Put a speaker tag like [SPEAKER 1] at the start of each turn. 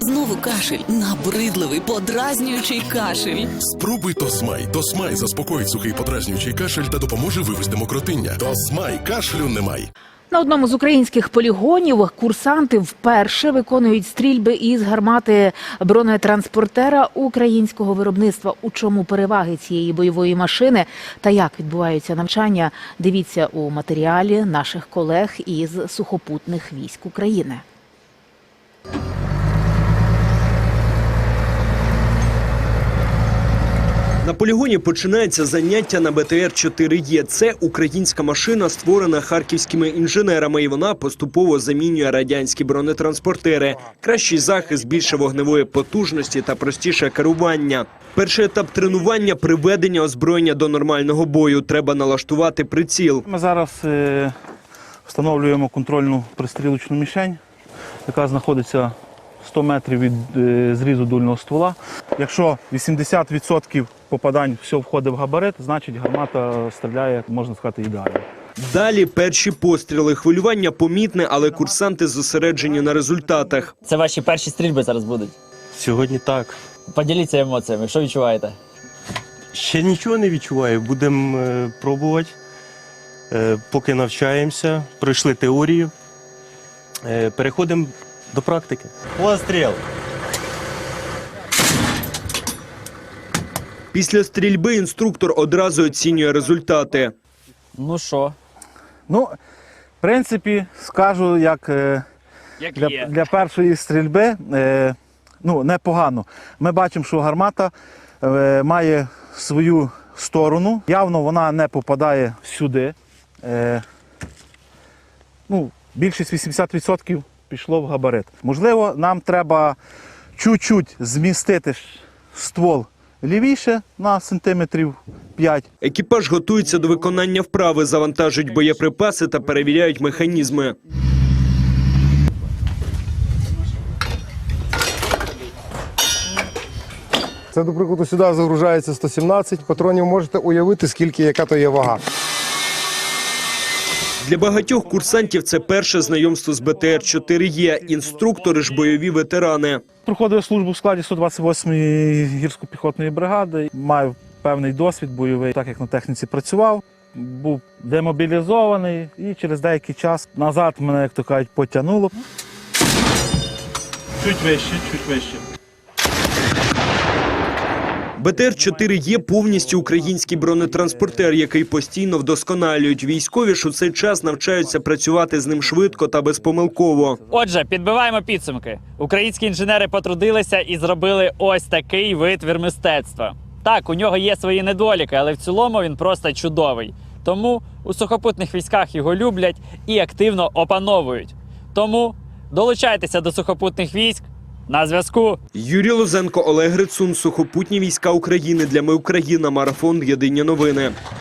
[SPEAKER 1] Знову кашель. Набридливий, подразнюючий кашель.
[SPEAKER 2] Спробуй Тосмай. Тосмай заспокоїть сухий подразнюючий кашель та допоможе вивести мокротиння. Тосмай. Кашлю немає.
[SPEAKER 3] На одному з українських полігонів курсанти вперше виконують стрільби із гармати бронетранспортера українського виробництва. У чому переваги цієї бойової машини та як відбуваються навчання, дивіться у матеріалі наших колег із сухопутних військ України.
[SPEAKER 4] На полігоні починається заняття на БТР-4Е. Це українська машина, створена харківськими інженерами, і вона поступово замінює радянські бронетранспортери. Кращий захист, більше вогневої потужності та простіше керування. Перший етап тренування – приведення озброєння до нормального бою. Треба налаштувати приціл.
[SPEAKER 5] Ми зараз встановлюємо контрольну пристрілочну мішень, яка знаходиться 100 метрів від зрізу дульного ствола. Якщо 80% попадань все входить в габарит, значить гармата стріляє, можна сказати, ідеально.
[SPEAKER 4] Далі перші постріли. Хвилювання помітне, але курсанти зосереджені на результатах.
[SPEAKER 6] Це ваші перші стрільби зараз будуть?
[SPEAKER 7] Сьогодні так.
[SPEAKER 6] Поділіться емоціями, що відчуваєте?
[SPEAKER 7] Ще нічого не відчуваю, будемо пробувати. Поки навчаємося, пройшли теорію, переходимо до практики. Постріл!
[SPEAKER 4] Після стрільби інструктор одразу оцінює результати.
[SPEAKER 6] Ну що?
[SPEAKER 5] Ну, в принципі, скажу, як для першої стрільби, непогано. Ми бачимо, що гармата має свою сторону. Явно вона не попадає сюди. Більшість 80% пішло в габарит. Можливо, нам треба чуть-чуть змістити ствол лівіше на сантиметрів 5.
[SPEAKER 4] Екіпаж готується до виконання вправи, завантажують боєприпаси та перевіряють механізми.
[SPEAKER 8] Це, до прикладу, сюди загружається 117 патронів. Можете уявити, яка то є вага.
[SPEAKER 4] Для багатьох курсантів це перше знайомство з БТР-4Е. Інструктори ж бойові ветерани.
[SPEAKER 5] Проходив службу в складі 128-ї гірсько-піхотної бригади. Маю певний досвід бойовий, так як на техніці працював. Був демобілізований і через деякий час назад мене, як то кажуть, потягнуло. Чуть вище.
[SPEAKER 4] БТР-4Е – повністю український бронетранспортер, який постійно вдосконалюють. Військові ж у цей час навчаються працювати з ним швидко та безпомилково.
[SPEAKER 6] Отже, підбиваємо підсумки. Українські інженери потрудилися і зробили ось такий витвір мистецтва. Так, у нього є свої недоліки, але в цілому він просто чудовий. Тому у сухопутних військах його люблять і активно опановують. Тому долучайтеся до сухопутних військ. На зв'язку.
[SPEAKER 4] Юрій Лозенко, Олег Грицун. Сухопутні війська України. Для Ми Україна. Марафон. Єдині новини.